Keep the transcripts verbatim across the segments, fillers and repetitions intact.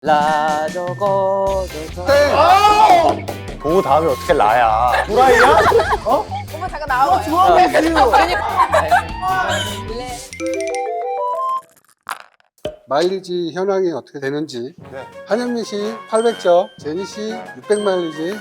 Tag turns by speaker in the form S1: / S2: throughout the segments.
S1: 라저거
S2: 땡! 도 다음에 어떻게 라야? 도라이야? 어?
S3: 오빠 잠깐 나와봐요.
S2: 좋아하겠어요.
S4: 마일리지 현황이 어떻게 되는지.
S2: 네.
S4: 한현민 씨 팔백 점, 제니 씨 육백 마일리지.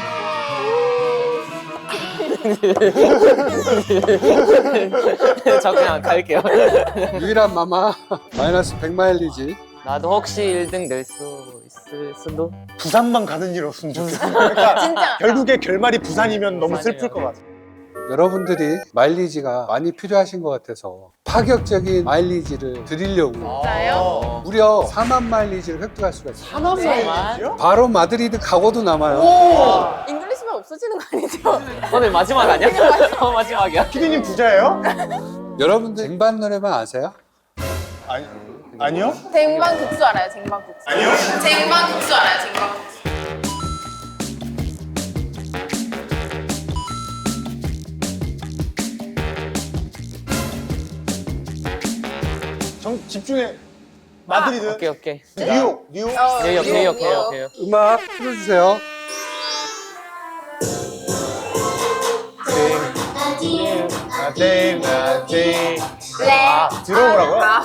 S1: 저 그냥 갈게요.
S4: 유일한 마마 마이너스 백 마일리지.
S1: 나도 혹시 일 등 낼 수 있을 수도?
S2: 부산만 가는 일 없으면 좋겠어. 그러니까
S3: 진짜.
S2: 결국에 결말이 부산이면 너무 슬플 것 같아.
S4: 여러분들이 마일리지가 많이 필요하신 것 같아서 파격적인 마일리지를 드리려고
S3: 진짜요?
S4: 무려 사만 마일리지를 획득할 수가 있어요.
S2: 사만 마일리지요?
S4: 바로 마드리드 가고도 남아요.
S3: 잉글리시만 없어지는 거 아니죠?
S1: 오늘 마지막 아니야? 어, 마지막이야.
S2: 피디님 부자예요?
S4: 여러분들 쟁반 노래방 아세요?
S2: 아니, 아니요?
S3: 쟁반 국수 알아요? 쟁반 국수.
S2: 아니요?
S3: 쟁반 국수 알아요? 쟁반 국수.
S2: 정, 집중해. 마드리드.
S1: 오케이, 오케이.
S2: 뉴욕, 뉴욕.
S3: 어,
S1: 뉴욕, 뉴욕, 뉴욕,
S3: 뉴욕.
S1: 뉴욕.
S4: 음악 틀어주세요.
S2: 나데이, 나데이.
S3: 네.
S2: 아, 들어보라고요?
S3: 아.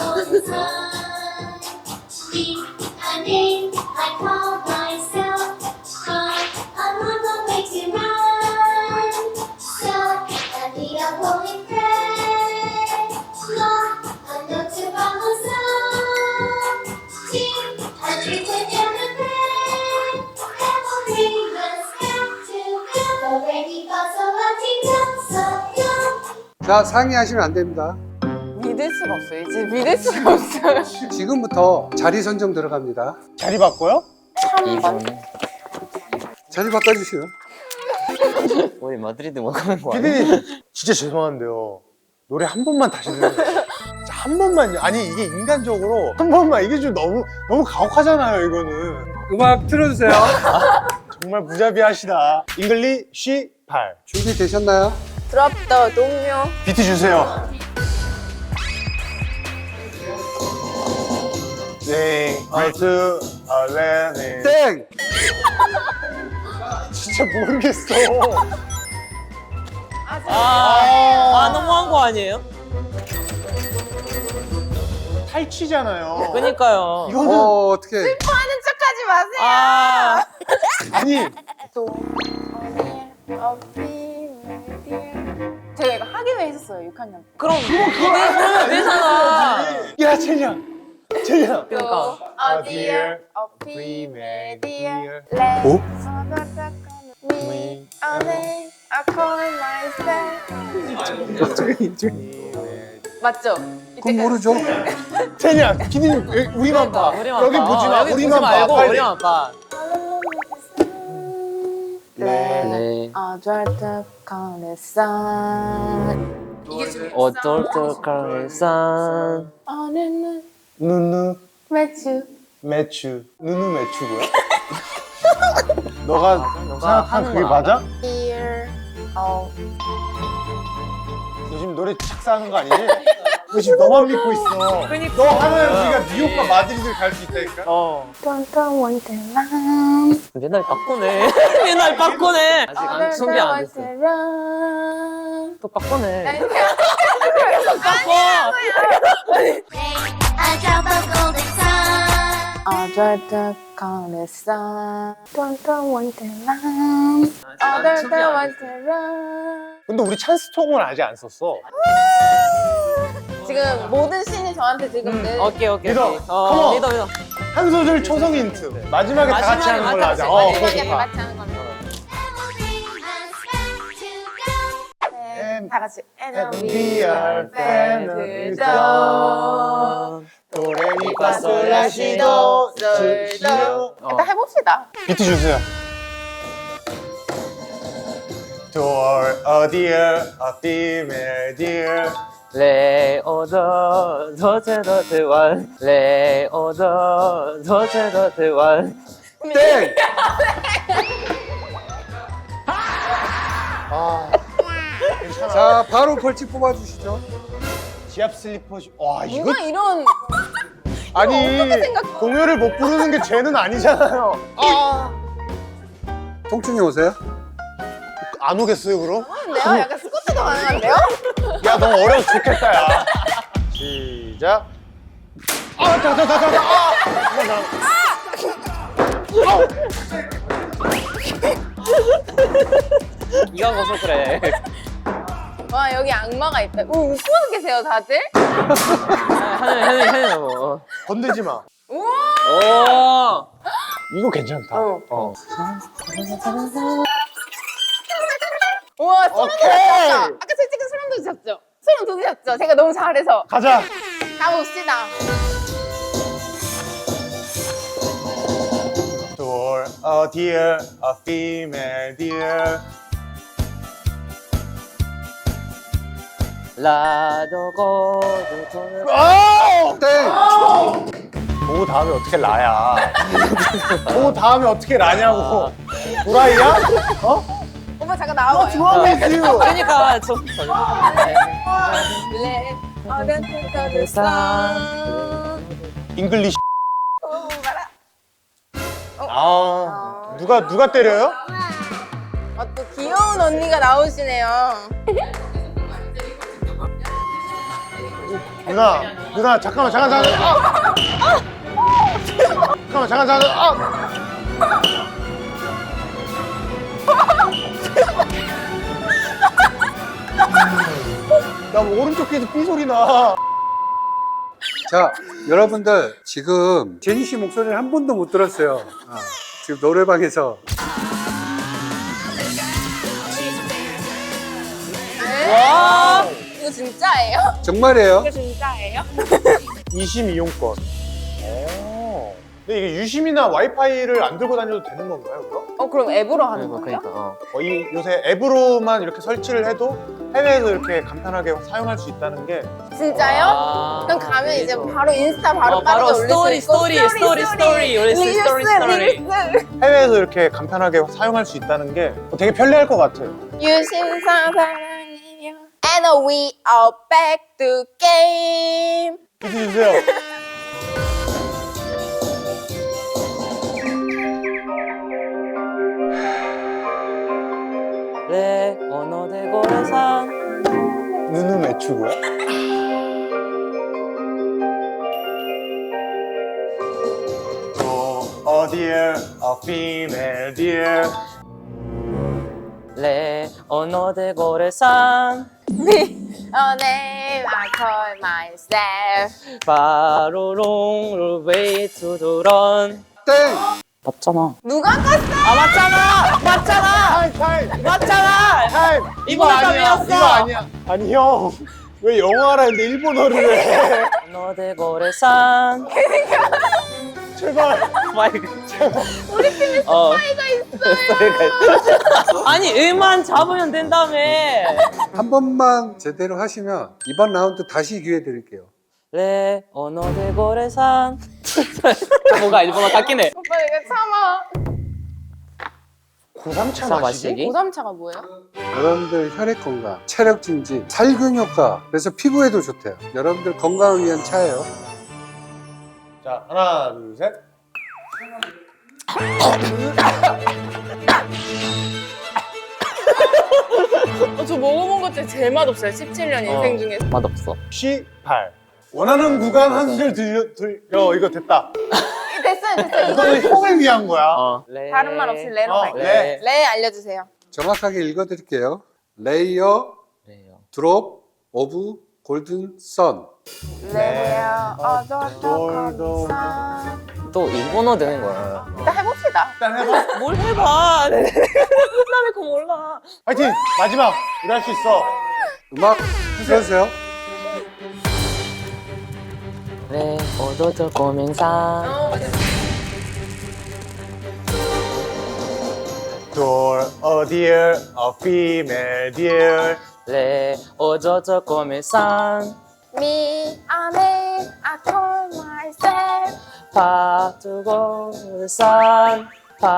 S5: A name I call myself, but I'm on my way to run. So I need a holy prayer, Lord, I know to follow some. Two, I need to get the prayer. Every must have to go. Already got so much so young.
S4: 자, 상의하시면 안 됩니다.
S3: 믿을 수가 없어요. 이제 믿을 수가 없어요.
S4: 지금부터 자리 선정 들어갑니다.
S2: 자리 바꿔요?
S1: 이 분.
S4: 자리 바꿔주시요.
S1: 우리 마드리드 먹는 거 아니야?
S2: 피디님, 진짜 죄송한데요. 노래 한 번만 다시 들려주세요. 진짜 한 번만요. 아니, 이게 인간적으로 한 번만. 이게 좀 너무, 너무 가혹하잖아요, 이거는.
S4: 음악 틀어주세요.
S2: 정말 무자비하시다. 잉글리 쉬 팔.
S4: 준비되셨나요?
S3: 드롭 더 동료.
S2: 비트 주세요. 네, 얼트, 얼레네.
S4: 땡!
S2: 진짜 모르겠어.
S1: 아, 아, 너무한 거 아니에요?
S2: 탈취잖아요.
S1: 그니까요.
S2: 이거는,
S4: 어, 어떻게.
S3: 하는 척하지 마세요.
S1: 아,
S2: 아니,
S3: 또 제가 이거 학예회 했었어요. 육 학년 때.
S1: 그럼 그게 되잖아.
S2: 야, 쟤냐. 쟤냐.
S1: 그러니까.
S3: 어 dear, 어 be my dear, let's
S4: 어?
S3: me, a name, I call myself. 맞죠?
S4: 그건 모르죠?
S2: 쟤냐. 피디님, 우리만 봐.
S1: 우리만
S2: 여기
S1: 봐.
S2: 보지 마.
S1: 여기
S2: 우리만 봐.
S1: 말고
S2: 빨리.
S1: 우리만 봐.
S3: 네. 어쩔 듯거렸어. 이게 좀
S1: 어쩔 듯할산
S3: 어느 날
S2: 누누,
S3: 매주
S2: 매추. 누누 매추고요? 너가
S1: 너가
S2: 생각한
S1: 하는
S2: 그게
S1: 거
S2: 맞아?
S3: dear, 어
S2: 너 지금 노래 착사하는 거 아니지? 너 지금 너만 믿고 있어.
S1: 그니까.
S2: 너 하면 우리가 뉴욕과 마드리드를 갈 수 있다니까?
S1: 어.
S3: don't don't want to run.
S1: 맨날 바꾸네. 맨날 바꾸네. 아직 안 준비 안 됐어. 또 바꾸네. 바꿔.
S5: A drop of golden sun.
S3: 어쩔 듯거렸어. don't don't want to run. 어쩔
S1: 준비 안
S3: want to run.
S2: 근데 우리 찬스통은 아직 안 썼어.
S3: 지금 모든 씬이 저한테 지금 늘
S1: 오케이 오케이.
S2: 믿어.
S1: 오케이.
S2: 컴온.
S1: 어, 믿어 믿어.
S2: 한 소절 초성 힌트. 마지막에 다 같이
S1: 마지막에
S2: 하는 걸로
S1: 다
S2: 하자.
S1: 같이,
S2: 어,
S1: 마지막에
S2: 그거
S3: 다
S2: 좋다.
S3: 같이 하는 걸로.
S5: Every must have to go.
S3: 네, 다 같이
S2: And we are family zone. 도레미파 솔라시도 솔시도.
S3: 일단 해봅시다.
S2: 비트 주세요. Door, a dear, a female dear.
S1: 레오더 도체 도체 원 레오더 도체 도체 원
S4: 땡!
S2: 아, 괜찮아.
S4: 자, 바로 벌칙 뽑아주시죠.
S2: 지압 슬리퍼. 주- 와, 이거
S3: 누가 이런
S2: 아니
S3: 어떻게 생각해?
S2: 동요를 못 부르는 게 죄는 아니잖아요. 아.
S4: 통증이 오세요?
S2: 안 오겠어요 그럼?
S3: 내가 약간 스쿼트도 가능한데요?
S2: 야 너무 어려서 좋겠다 야. 시작. 아, 자, 자, 자, 자, 자. 아,
S1: 이가 거서 그래.
S3: 와 여기 악마가 있다. 오 웃고 계세요 다들?
S1: 하늘 하늘 하늘 뭐.
S2: 건들지 마.
S3: 우와.
S1: 오.
S2: 이거 괜찮다.
S3: 어.
S2: 어.
S3: 우와 소름
S2: 오케이.
S3: 돋았다. 아까 솔직히 소름 돋으셨죠? 소름 돋으셨죠? 제가 너무 잘해서.
S2: 가자.
S3: 가봅시다.
S2: Door, a deer, a female deer.
S1: 라도고 도토.
S2: 아!
S4: 땡!
S2: 오 다음에 어떻게 라야? 오 다음에 어떻게 라냐고? 도라이야? 어?
S3: 오빠 잠깐 나와봐요.
S2: 좋아하겠어요.
S1: 그러니까 저.
S3: 네. 어른들
S2: 잉글리시.
S3: 어, 봐라.
S2: 아 누가 누가 때려요?
S3: 아, 또 귀여운 언니가 나오시네요.
S2: 누나 누나 잠깐만 잠깐 잠깐. 아! 잠깐만 잠깐 잠깐. 아! 나 오른쪽 귀에서 삐 소리 나.
S4: 자, 여러분들 지금 제니 씨 목소리를 한 번도 못 들었어요. 아, 지금 노래방에서
S3: 와. 이거 진짜예요?
S4: 정말이에요.
S3: 이거 진짜예요?
S2: 이심 이용권. 오. 근데 이게 유심이나 와이파이를 안 들고 다녀도 되는 건가요, 그럼?
S3: 어 그럼 앱으로 하는
S1: 그러니까
S3: 거예요?
S1: 그러니까. 어.
S2: 어, 이 요새 앱으로만 이렇게 설치를 해도 해외에서 이렇게 간편하게 사용할 수 있다는 게
S3: 진짜요?
S1: 아,
S3: 그럼 가면 이제
S1: 그래서.
S3: 바로 인스타 바로
S1: 어, 바로
S3: 빠르게 올릴
S1: 스토리,
S3: 수 있고
S1: 스토리, 스토리, 스토리, 올릴 수 있어, 스토리, 스토리.
S3: 릴스
S2: 해외에서 이렇게 간편하게 사용할 수 있다는 게 되게 편리할 것 같아요.
S3: 유심사 사랑해요 And we are back to game
S2: 비트 주세요.
S1: 레 오노데고레산.
S2: 눈은 왜 추고요? Oh, a deer, a female deer.
S1: 레 오노데고레산.
S3: Me a name I call myself
S1: 바로롱 웨이 투두런.
S4: 땡!
S1: 맞잖아.
S3: 누가 깠어?
S1: 아 맞잖아. 맞잖아.
S2: 타임, 타임,
S1: 맞잖아.
S2: 타임.
S1: 이번에
S2: 이거 아니야,
S1: 답이었어.
S2: 이거 아니야. 아니 형, 왜 영어하라 했는데 일본어를 해?
S1: 오노데고레산.
S2: 제발.
S1: 마이크. 우리 팀에 스파이가 있어요. 아니 음만 잡으면 된다며.
S4: 한 번만 제대로 하시면 이번 라운드 다시 기회 드릴게요.
S1: 레 오노데고레산. 뭔가 일본어 같긴 해.
S3: 오빠 이거 참아
S2: 고삼차
S1: 사
S2: 마시기?
S1: 마시기?
S3: 고삼차가 뭐예요?
S4: 여러분들 혈액 건강, 체력 증진, 살균 효과, 그래서 피부에도 좋대요. 여러분들 건강을 위한 차예요.
S2: 자, 하나, 둘, 셋.
S3: 어, 저 먹어본 것 중에 제일 맛없어요 십칠 년 인생
S1: 어.
S3: 중에서
S1: 맛없어.
S2: 십팔. 원하는 구간 한 소절 들려, 들려. 이거 됐다.
S3: 됐어요 됐어요
S2: 이거는 형을 위한 거야.
S1: 어. 레...
S3: 다른 말 없이 레로
S2: 어,
S3: 갈게요
S2: 레.
S3: 레 알려주세요
S4: 정확하게 읽어드릴게요. 레이어
S1: 레요.
S4: 드롭 오브 골든 선.
S3: 레요
S2: 돌도.
S3: 어저저
S1: 또 일본어 되는 거야.
S3: 일단 해봅시다
S2: 일단 해봐.
S1: 뭘 해봐. 끝나면 그거 몰라.
S2: 파이팅! 마지막! 우리 할 수 있어.
S4: 음악 틀어주세요.
S1: 레 오도저 고민산.
S3: 어,
S2: Door, a deer, a female deer.
S1: 레 오도저 고민산.
S3: Me a name I call myself
S1: 파두고산.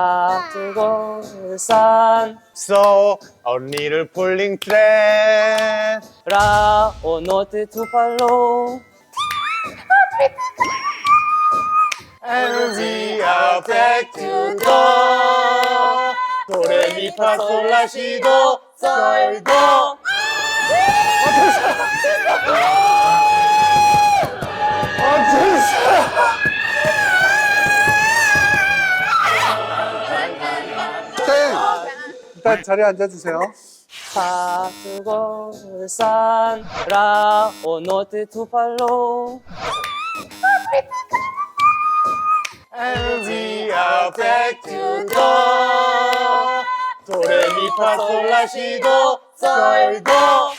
S1: 파두고산.
S2: So, a little pulling thread.
S1: 라 오노데 두팔로.
S2: And we are back to go. 도레미파솔라시도 솔도.
S4: 땡! 일단 자리에 앉아주세요.
S1: 사두고 산 라오노트 투팔로
S2: And we are back to go. 도레미파솔라시도 솔도.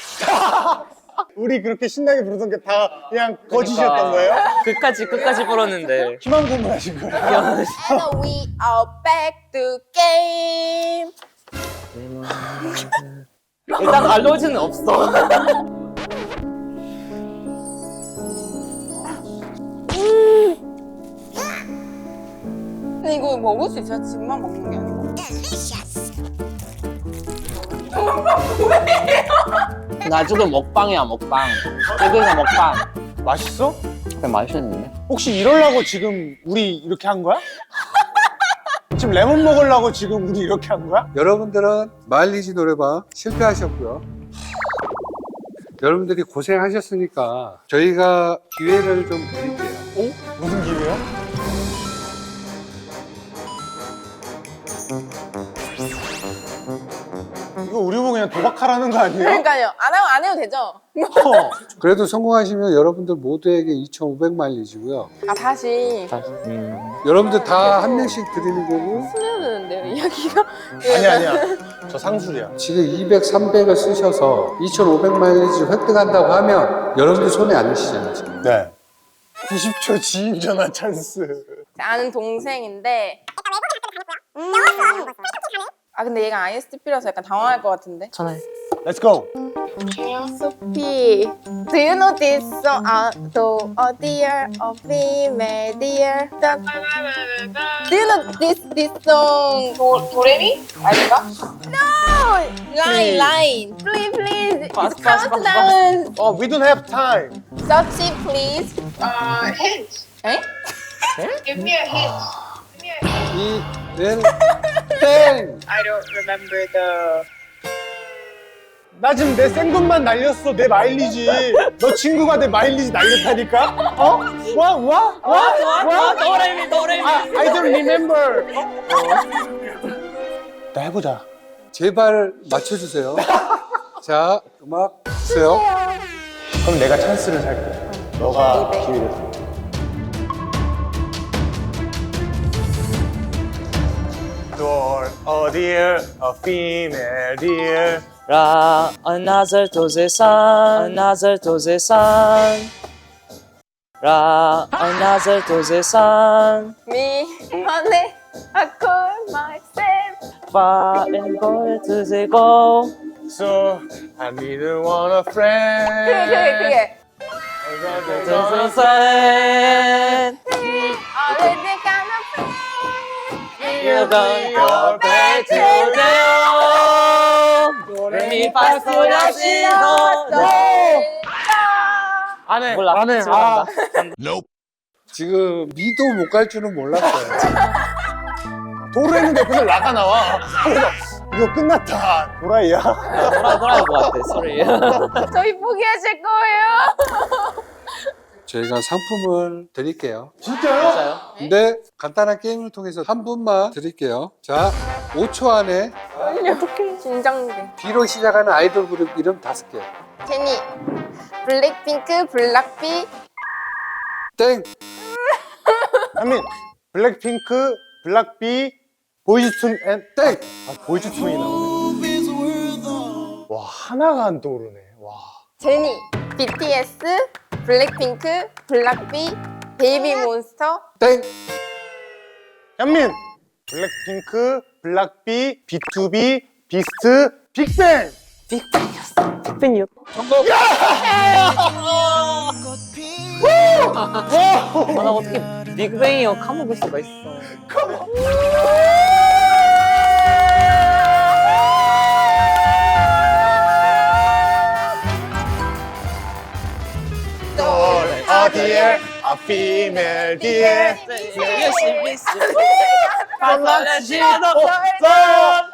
S2: 우리 그렇게 신나게 부르던 게 다 그냥 거짓이었던 거예요?
S1: 끝까지 끝까지 불었는데
S2: 희망 고문하신 거예요?
S3: And we are back to game.
S1: 일단 알러지는 없어.
S3: 근데 이거 먹을 수 있어요? 집만 먹는 게 아니고.
S1: 나중에 먹방이야 먹방. 여기서 먹방.
S2: 맛있어?
S1: 그냥 맛있는데.
S2: 혹시 이러려고 지금 우리 이렇게 한 거야? 지금 레몬 먹으려고 지금 우리 이렇게 한 거야?
S4: 여러분들은 마일리지 노래방 실패하셨고요. 여러분들이 고생하셨으니까 저희가 기회를 좀 드릴게요.
S2: 어? 무슨 기회야? 이거 우리 보고 그냥 도박하라는 거 아니에요?
S3: 그러니까요. 안 하고 안 해도 되죠?
S2: 어.
S4: 그래도 성공하시면 여러분들 모두에게 이천오백 마일리지고요.
S3: 아 다시
S1: 음.
S4: 여러분들 다 한 명씩 드리는 거고
S3: 해야 되는데요 이야기가.
S2: 아니야 아니야 저 상술이야.
S4: 지금 이백, 삼백을 쓰셔서 이천오백 마일리지 획득한다고 하면 여러분들 손에 안 드시잖아요. 지금.
S2: 네. 구십 초 지인 전화 찬스.
S3: 아는 동생인데. 음. 아 근데 얘가 아이에스티피라서 약간 당황할 것 같은데.
S1: 전화해.
S2: Let's go.
S3: Sophie, do you know this song? Uh, do oh dear, oh be my dear. Do you know this this song? 도 도레미? 아닌가? No, line line. Please please.
S1: Fast,
S3: It's
S1: fast, fast,
S3: countdown.
S2: Oh, we don't have time.
S3: Sophie, please.
S6: Uh, hint.
S3: 에?
S6: Give me a hint. Give me a hint.
S4: 이, 네, 땡!
S6: I don't remember the.
S2: 나 지금 내 생돈만 날렸어. 내 마일리지. 너 친구가 내 마일리지 날렸다니까? 어? 와? 와? 와?
S1: 좋아 좋아 도레미 도레미.
S2: 아, I don't remember. 나 해보자.
S4: 제발 맞춰주세요. 자, 음악 주세요.
S2: 그럼 내가 찬스를 살게. 너가 기회를 살게. Door, a dear, a female dear.
S1: 라 another to the sun another to the sun 라 another to the sun
S3: Me, honey, I call myself.
S1: far and go to the go
S2: So, I didn't want a
S3: 그게
S2: friend.
S3: 그게 그게.
S1: to the sun
S3: Already got a friend.
S1: you don't go back to the home 도레미파솔라시도
S2: 안 해.
S1: 몰라
S2: 안 해.
S1: 지금
S2: 아,
S1: 간다.
S4: 지금 미도 못 갈 줄은 몰랐어요.
S2: 도로 했는데 옆에서 라가 나와. 그래서 이거 끝났다. 도라이야.
S1: 돌아 돌아올 것 같아 소리.
S3: 저희 포기하실 거예요?
S4: 저희가 상품을 드릴게요.
S2: 진짜요?
S1: 진짜요?
S4: 근데 간단한 게임을 통해서 한 분만 드릴게요. 자, 오 초 안에
S3: 어떡해. 긴장돼.
S4: B로 시작하는 아이돌 그룹 이름 다섯 개.
S3: 제니, 블랙핑크, 블락비,
S4: 땡!
S2: 한민, 블랙핑크, 블락비, 보이즈툰 앤
S4: 땡!
S2: 아, 보이즈툰이 나오네. 와, 하나가 안 떠오르네. 와.
S3: 제니, 비티에스, 블랙핑크, 블락비, 베이비몬스터,
S4: 땡!
S2: 현민, 블랙핑크, 블락비, 비투비, 비스트, 빅뱅.
S1: 빅뱅이었어. 빅뱅이었어.
S4: 정답!
S1: 아, 나 어떻게 빅뱅이어 까먹을 수가 있어.
S2: A dear, a female deer.
S1: 열심히 쓰고 발라지도 없어